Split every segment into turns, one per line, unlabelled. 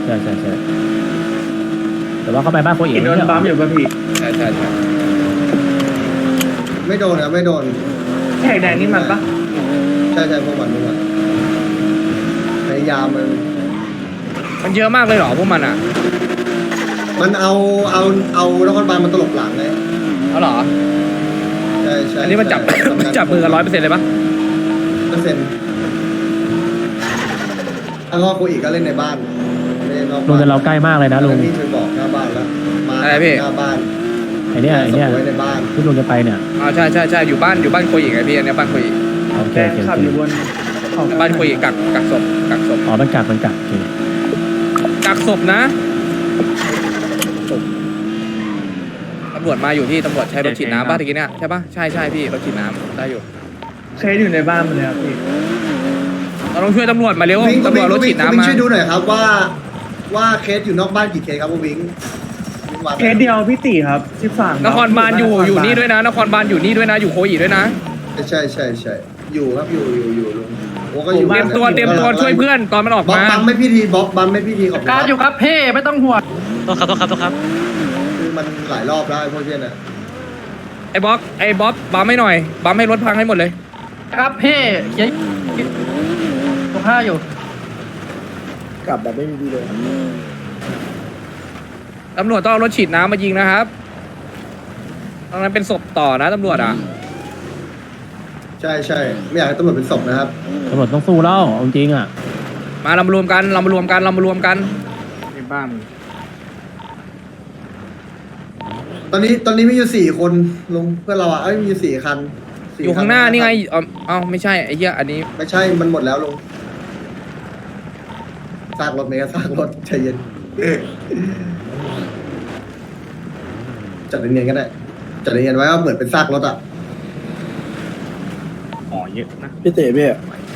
ใช่แต่ว่าเขาไปบ้านโคอีก
โดนปั๊มอยู่ป่ะพี่
ใช่
ไม่โดนนะไม่โดน
แท็กแดงนี่มันปะ
ใช่พวกมันพยายาม
มันเยอะมากเลยเหรอพวกมันอ่ะ
มันเอานครบาลมันตลบหลังเลย
เอาเหรอ
ใช่
อันนี้มันจับมือกัน100%เลยปะ
100%แล้วก็โคอีกก็เล่นในบ้านเล่นนอก
ลุง
บ้าน
แต่เราใกล้มากเลยนะลุง
นี่เคยบอกหน้าบ้านแล้วมาหน้าบ้าน
ไอเนี้ย
ไว้ในบ้าน
ที่ลุงจะไปเนี่ย
ใช่อยู่บ้านโคอีกไงพี่อันนี้บ้านโคอีก
โอเค
แดงขับอยู่บนของ
บ้านโคอีกกักศพ
อ๋อมันกักโอเค
กักศพนะตำรวจมาอยู่ที่ตำรวจใช้รถฉีดน้ำป่ะตะกี้เนี่ยใช่ป่ะใช่พี่รถฉีดน้ำได้อยู่
เคสอยู่ในบ้านมันเลยครับพี่
เราต้องช่วยตำรวจมาเร็ว
วิ่ง
ตำรวจรถฉีดน้ำมา
ช่วยดูหน่อยครับว่าเคสอยู่นอกบ้านกี่เคสครับวิ่ง
เคสเดียวพี่ตีครับ13
นครบาลอยู่นี่ด้วยนะนครบาลอยู่นี่ด้วยนะอยู่โคอีด้วยนะ
ใช่อยู่ครับอยู่ลุงโอ้ก็อยู่
เตรียมตัวช่วยเพื่อนตอนมันออก
บ๊อบ
มา
บัมไม่พี่ทีบ๊อบบัมไม่พี่ทีขอบคุณ
การอยู่ครับเพ่ไม่ต้องห่วง
ต้องครับ
คือมันหลายรอบแล้วพวกเนี้ยนะ
ไอ้บ๊อบบัมให้หน่อยบัมให้รถพังให้หมดเลย
ครับเพ่เขียนตรงห้าอยู่
กลับแบบไม่มีดีเลย
ตำรวจต้องเอารถฉีดน้ำมายิงนะครับตรงนั้นเป็นศพต่อนะตำรวจอ่ะ
ใช่ไม่อยากให้ตำรวจเป็นศพนะครับ
ตำรวจต้องสู้แล้วจริงอ่ะ
มาเรามารวมกัน
ในบ้าน
ตอนนี้มีอยู่4 คนลุงเพื่อนเราอ่ะมีอยู่4 คัน
อยู่ข้างหน้านี่ไงเอาไม่ใช่ไอ้เหี้ยอันนี้
ไม่ใช่มันหมดแล้วลุงซากรถเมย์ซากรถใจเย็นจัดเนียนๆก็ได้จัดเนียนๆไว้ว่าเหมือนเป็นซากรถอ่ะ
อ๋อเยอะนะ
พี่เต๋พี่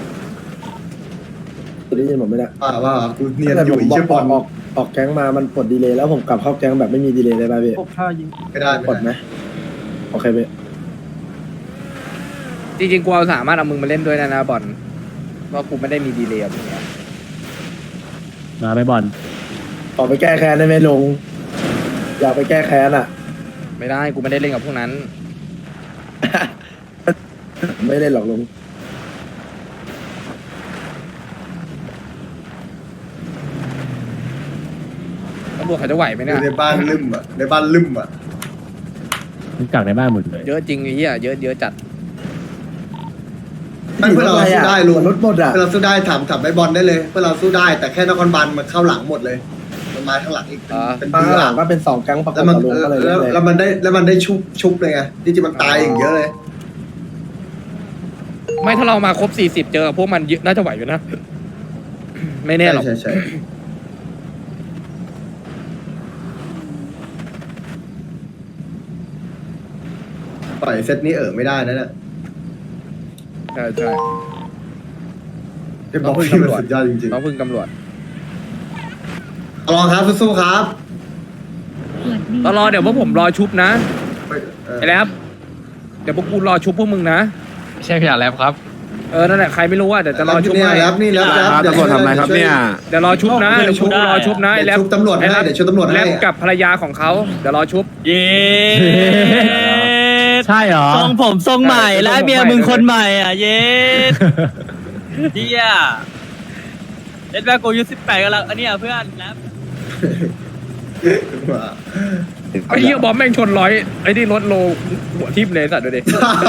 ตัวนี้ยินผมไม่ได้
ว่ากูเนียน
แต่
อ
ผ
ยู่
ม
อีก
บอก
เชื่อบอล
ออกแก๊งมามันปลดดีเลยแล้วผมกลับเข้าแก๊งแบบไม่มีดีเลยได้ป่ะพี่
พบท่ายิง
ไม่ได้
ปลดไหมโอเคพี่
จริงๆกูเอาสามารถเอามึงมาเล่นด้วยนะบอลเพราะกูไม่ได้มีดีเลย์อย่างเงี้ย
มาไปบอล
ออกไปแก้แค้นได้ไหมลุงอยากไปแก้แค้นอ่ะ
ไม่ได้กูไม่ได้เล่นกับพวกนั้น
ไม่ได้หรอกลุง
ตำรวจเขาจะไหวไหมเนี่ย
ในบ้านลืมอ่ะในบ้านลืมอ่ะ
มันกักในบ้านหมดเลย
เยอะจริงไอ้เหี้ยเยอะจัด
เพื่อนเราสู้ได้ลุง
รถหมดอ่ะ
เพื่อนเราสู้ได้ถามไอ้บอลได้เลยเพื่อนเราสู้ได้แต่แค่นครบาลมันเข้าหลังหมดเลยมันมาข้างหลังอีกเป็น
ข้าง
เรือ
หลังก็เป็น2แก๊งประก
แล้
บ
วมัน
กับลุงก็เลยเล่นเลย
แล้วมันได้ชุบเลยไงที่จริงมันตายอย่างเยอะเลย
ไม่ถ้าเรามาครบ40เจอพวกมันเยอะน่าจะไหวอยู่นะ ไม่แน่หรอก
ใช่ปล่อยเซตนี้ไม่ได้นะเนี่ย
ใช่
เป็นบอลที่มันสุดยอดจริง
น้องพึ่งตำรวจ
ๆลองครับสู้ๆครับ
ตลอเดี๋ยวพวกผมรอชุบนะไอ้แรปเดี๋ยวพวกกูรอชุบพวกมึงนะ
ไม่ใช่พี่อาแลบครับ
นั่นแหละใครไม่รู้ว่าเดี๋ยวจะรอชุบ
นี่
ให้
แล้วนี่แล้ว
ตำรวจทำอะไรครับเนี่ย
เดี๋ยวรอชุบนะเดี๋ยวชุบรอชุบนะไอ้แรป
ชุบตำรวจให้เดี๋ยวชุบตำรวจ
แร
ให้
ปกับภรรยาของเขาเดี๋ยวรอชุบ
เย้
ใช่เหรอ
ทรงผมทรงใหม่และเมียมึงคนใหม่อ่ะเย้เฮียเอ็ดแบกกูอายุ18กันแล้วอันนี้เพื่อนนะ
ไอ้เหี้ยบอมแม่งชนร้อยไอ้นี่รถโลหัวทิ่มเลยสัตว์ดูดิ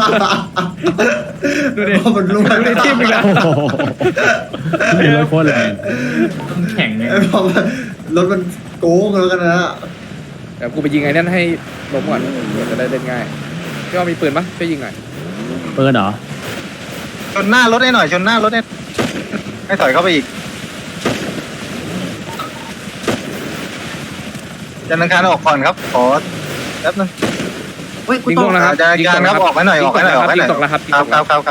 ดูดิ
มันรู้
ดูดิทิ่มอีกแล้ว
โอ้โหมีรถโคตรแรง
แข็งเนี่ย
รถมันโกงแล้วกันนะ
เดี๋ยวกูไปยิงไอ้นั่นให้ล้มก่อนเดี๋ยวจะได้เล่นง่ายพี่ว่ามีปืนปะช่วยยิงหน่อย
ปืนเหรอ
ชนหน้ารถให้หน่อยชนหน้ารถให้ถอยเข้าไปอีกจันทร์อังคารออกก่อนครับขอแป๊บนึง
ยิงตกแล้วครับ
จันทร์อังคารครับออกให้หน่อยออกให้หน่อยออกให้หน่อย
ยิงตกแล้วครับ
ครับ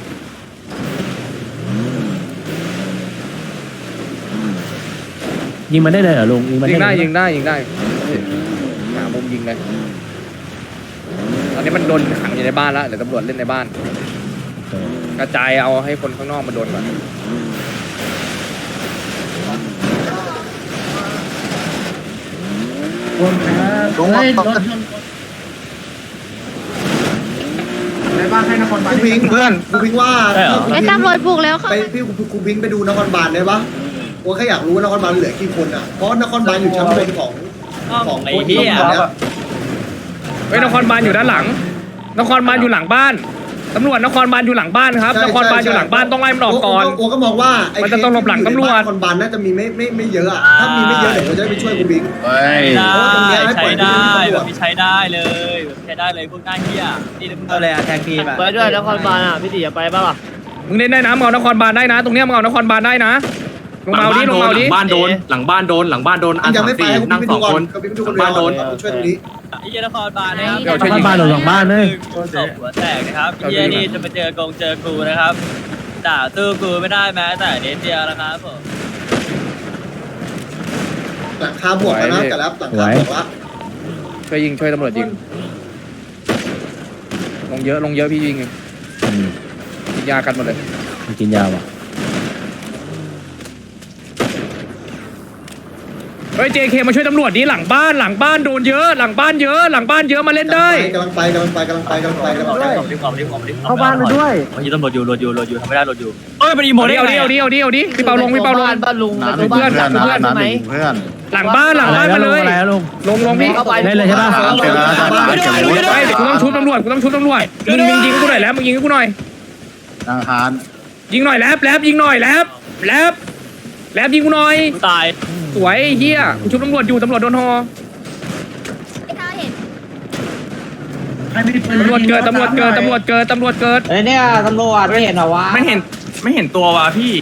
ยิงมันได้เลยเหรอลุงยิงมัน
ยิงได้
เลย
ยิงได้หามุมยิงเลยตอนนี้มันโดนขังอยู่ในบ้านแล้วเดี๋ยวตำรวจเล่นในบ้าน กระจายเอาให้คนข้างนอกมาโดนก่อน
ลุง
ในบ้านให้นครบาล
กูพิงเพื่อนกูพิงว่า
ไอ้ตำรวจบุกแล้วค่ะ
ไปพี่กูพิงไปดูนครบาลได้ปะกูแค่อยากรู้ว่านครบาลเหลือกี่คนอ่ะเพราะนครบาลอยู่ชั้นบนของ
ไอ้
คน
เหี้
ที่
ย
ต้องทำเนี่ย
เฮ้ยนครบาลอยู่ด้านหลัง นครบาลอยู่หลังบ้านตำรวจนครบาลอยู่หลังบ้านครับนครบาลอยู่หลังบ้านต้องไล่มันออกก่อน
โอ้ก็มองว่าไอ้
มันจะต้องหลบหลังตำรวจ
นครบาลน่าจะมีไม่เยอะอ่ะถ้ามีไม่เยอะเดี๋ยวกูจะได้ไปช่วยกูพิง
เฮ้ย
ใช้ได้แบบนี้ใช้ได้เลยใช้ได้เลยพวกหน้าเหี้ยนี่มึงเอาเลยอะแทงทีแบบ
ไปด้วยนครบาลอ่ะพี่ตีอย่าไปป่ะล่ะ
มึงเล่นได้นะมึงเอานครบาลได้นะ ตรงเนี้ยมึงเอานครบาลได้นะลงมาเอาดิลงมาเอาดิ
บ้านโดนหลังบ้านโดนหลังบ้านโดนอัน
ยัง
สาม
ไม่ไป
สี่
ให้กู
นั่ง
พิง
ส
ดู
อง
ก่อ
คน น
กูพิงดูคน
บ้านโดน
ช่วยตรงนี้
ไอ้เหี้ยนครบาลนะครับ
เดี๋ยวช่วยยิง
บ้านโดนหลังบ้านเลย
ศพหัวแตกนะครับเหี้ยนี่จะไปเจอกูนะครับด่าตู้กูไม่ได้แม้แต่นิดเดียวนะครับผม
หลังคาบวกแล้วนะแต่แล้วหลังคาบวกแล้ว
ช่วยยิงช่วยตำรวจยิงลงเยอะพี่ยิงกินยากันหมดเลย
มันกินยาว่ะ
เฮ้ย JK มาช่วยตำรวจดิหลังบ้านโดนเยอะหลังบ้านเยอะมาเล่นได้
กำลังไป
เข้าบ้านไปด้วยวันนี้ตำรวจอยู่ทำไม่ได้รถอยู่เอ้ยเป็นอีโมได้
เอา
ไง
ดิพี่เปาลง
บ้านลุงในตัวบ้านจับเพื่อนใช่ไหม
เพื่อน
หลังบ้านมาเลย
อะไรลุง
ลงพี่
เข้าไป
เล่นเลยใช่ปะ
ไม่เดี๋ยวกูต้องชุบตำรวจมึงยิงกูหน่อยแล้วมึงยิงกูหน่อย
ทางฮาน
ยิงหน่อยแลบยิงหน่อยแลบยิงกูหน่อย
ตาย
สวยเฮียกูชุบตำรวจอยู่ตำรวจโดนฮอตำรวจเกิด
เฮ้ยเนี่ยตำรวจไม่เห็นเหรอวะ
ไม่เห็นตัวว่ะพี่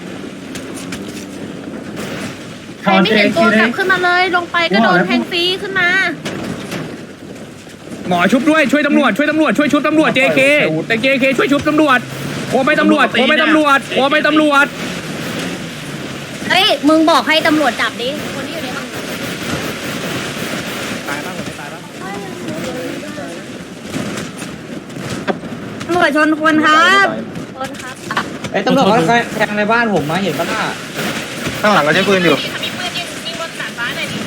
ใครไม่เห็นตัวจับขึ้นมาเลยลงไปก็โดนแทงฟรีขึ้นมา
หมอชุบด้วยช่วยตำรวจช่วยชุบตำรวจ JK แต่ JK ช่วยชุบตำรวจโอ้ไม่ตำรวจ
เฮ้ยมึงบอกให้ตำรวจจับดิคนที่อยู่ในห้องตำรวจชนคนครับชนครับ
ไอ้ตำรวจเขาแทงในบ้านผมมาเห็นปะน่ะ
ข้างหลังก็ใช้ปืนอยู่
มีปืนยิงบนดาดฟ้าหน่อยดิ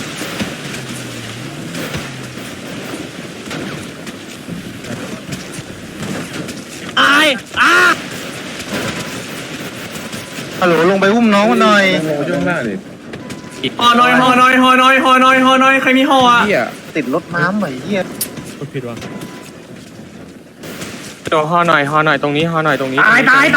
ฮัลโหลลงไปอุ้มน้องมันหน่อย
ห่อหน่อยใครมีห่ออ่ะ
เฮีย
ติดรถน้ำไอ้เหี้ย
เดี๋ยวห่อหน่อยตรงนี้ห่อหน่อยตรงนี้
ตายเองตาย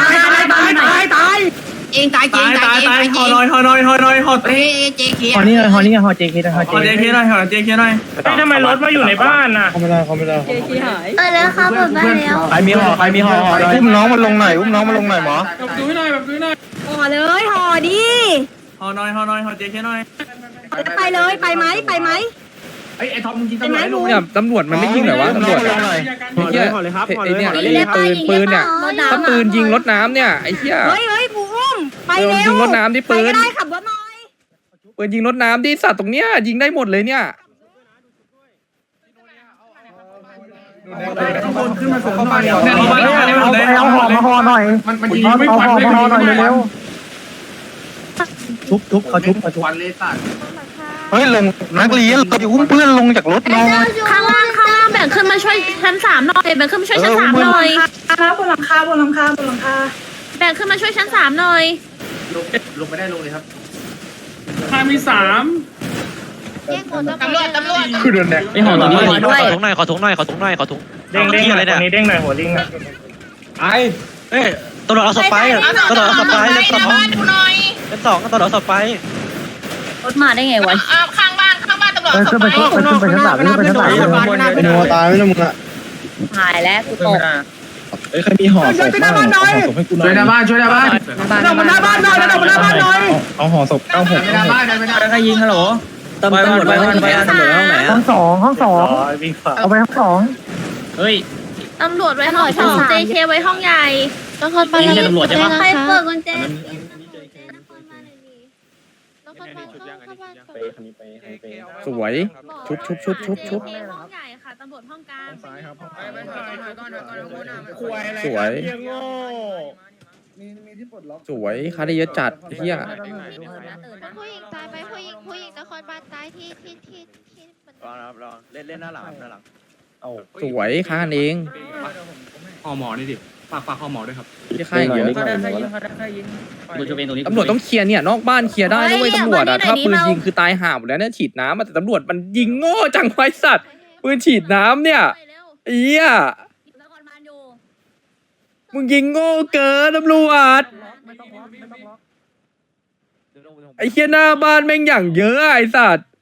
ห่อหน่อยห่อ
เฮ้ยเจ๊เขีย
ฮอนี่ฮอJK
ห่อเจเคหน่อยทำไมรถมาอยู่ในบ้านน่ะ
แล้วครับผมได้แล้ว
ใครมีห่อ
อุ้มน้องมันลงหน่อยหมอ
ดูให้หน่อย
ห่อเลยห่อดิ
ห่อหน่อยห่อเจเคหน่อย
ไปเลยไปไหม
ไอ้ท็อปมึงยิงตำรวจให้ลุง
เนี่ยตำรวจมันไม่ยิงเหรอวะตำรวจไอ้เหี้ยไอ้เนี่ยปืนเนี่ยถ้าปืนยิงรถน้ำเนี่ยไอ้เหี้ย
เฮ้ยกูอุ้มไปเร็ว
ยิงรถน้ำที่ปืน
ได้ขับรถหน่อย
ปืนยิงรถน้ำที่สัตว์ตรงเนี้ยยิงได้หมดเลยเนี่ย
ขึ้นมาเสริมหน่อย
เอาห่อมาห่อหน่อย
มันยิงไม่ควันไม่ห่อหน่อยเร็ว
ทุบเขาทุบ
ควันเลยสัตว์
เฮ้ยลงนักเรียนเราจะอุ้มเพื่อนลงจากรถน้อย
ข้างล่างแบ่งขึ้นมาช่วยชั้น3หน่อยแบ่งขึ้นมาช่วยชั้น3หน่อยบนหลังคาแบ่งขึ้นมาช่วยชั้น3หน่อย
ลงไม่ได้ลงเลยครับ
ข้ามี3
ตำรวจ
คือโดนแดก
ไอ้ห่อตรงนี้
ขอด้วย
ขอถุงหน่อยเด้งอะไรเนี่ย
เด้งหน่อยหัวเด้งหน่อย
ไอ้
เอ้ยตำรวจเอาศพไปเล่น2ตำรวจเอาศพไป
รถมาได้ไงวะ
ขึ้นไปชั้น 3ไปโนตายไม่ต้องมึงอะ
หายแล้วกูตก
ใครมีห่อศพบ้างห่อศพให้กูหน่
ช่วยหน้าบ้านช่วยหน้าบ้าน
เอาห่อศพ96
หน้าบ้านไม่ได้
ใครยิงฮัลโหลตำรวจไปห้องไหนห้อง2เอาไปห้อง2เฮ้ย
ตำรวจไว้ห้อง2 JK ไว้ห้องใหญ่นครบาล
นี่เป็นตำรวจใช่ปะ
ใครเปิดกุญแจ
สวยชุบ
ห้องใหญ่ค่ะตำรวจห้องกลาง
สวยสวยคาได้เยอะจัดเฮีย
ผู้หญิงตายไปผู้หญิงตนครบาลตายที่มัน
รอครับรอเล่นหน้าหลังครับหน้าหลัง
สวยค้ากันเอง
ห่อหมอนี่ดิฝากห่อหมอด้วยครับ
ที่ค่ายเยอะ
เขาได้แค่ยิงกูจะเป็นตรงนี้
ตำรวจต้องเคลียร์เนี่ยนอกบ้านเคลียร์ได้นะเว้ยตำรวจอะถ้าปืนยิงคือตายห่าหมดแล้วเนี่ยฉีดน้ำอะแต่ตำรวจมันยิงโง่จังไว้สัตว์ปืนฉีดน้ำเนี่ยไอ้เหี้ย
นครบาลอยู่
มึงยิงโง่เกินตำรวจไอ้เหี้ยหน้าบ้านแม่งอย่างเยอะอะไอ้สัตว์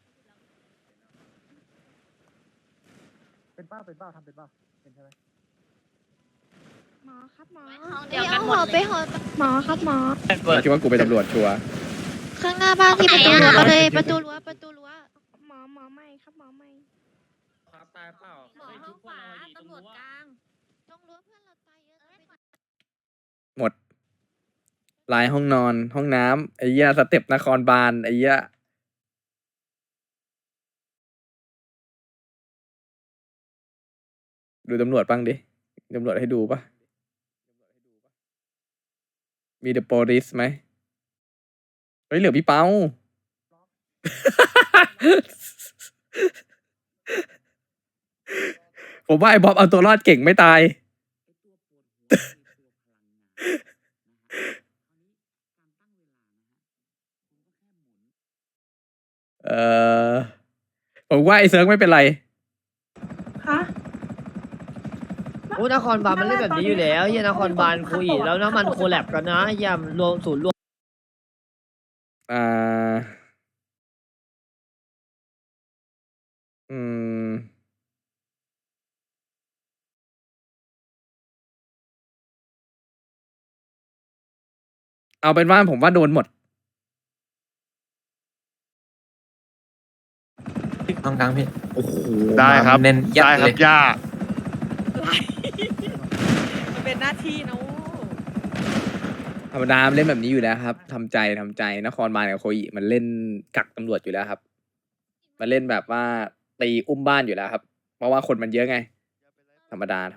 เป็นเป้าทำเป็นเป้าเป็นใช่ไหม
หมอครับหมอเดี๋ยวกันหมดเลยหมอครับหมอ
คิดว่ากูเป็นตำรวจชัวร์
ข้างหน้าบ้านที่ประตูรั้วเลยประตูรั้วหมอไม่ครับหมอไม่
ครับตายเปล่า
หมอห้องขวาตำรวจกลางตรงรั้วเพื่อนเราตายเยอะ
หมดลายห้องนอนห้องน้ำไอ้เหี้ยสเต็ปนครบาลไอ้เหี้ยดูตำรวจบ้างดิตำรวจให้ดูปะมีเดอะโปลิสไหมเฮ้ยเหลือพี่เปา ผมว่าไอ้บ๊อบเอาตัวรอดเก่งไม่ตาย ผมว่าไอ้เซิร์ฟไม่เป็นไร
โอ้นครบาลมันเล่นแบบนี้อยู่แล้วเฮียนครบาลคุยแล้วนะมันโคแลบกันนะเฮียรวมศูนย์รวม
อ่า อืม เอาเป็นว่าผมว่าโดนหมด
ตรงกลางพี่โอ้โห
ได้ครับ
เน้นยัด
ได้ค
เล
รั
ย
บย่า
มันเป็นหน้าที่นะ
ธรรมดามันเล่นแบบนี้อยู่แล้วครับทำใจนครบาลกับโคอิมันเล่นกักตำรวจอยู่แล้วครับ มันเล่นแบบว่าตีอุ้มบ้านอยู่แล้วครับ เพราะว่าคนมันเยอะไง ธรรมดา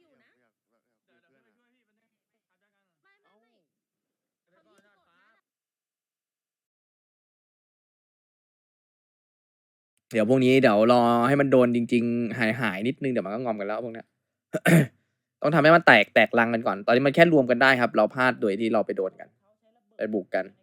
เดี๋ยวพวกนี้เดี๋ยวรอให้มันโดนจริงๆหายนิดนึงเดี๋ยวมันก็งอมกันแล้วพวกเนี้ย ต้องทำให้มันแตกรังกันก่อน ตอนนี้มันแค่รวมกันได้ครับ เราพลาดโดยที่เราไปโดนกันไปบุกกัน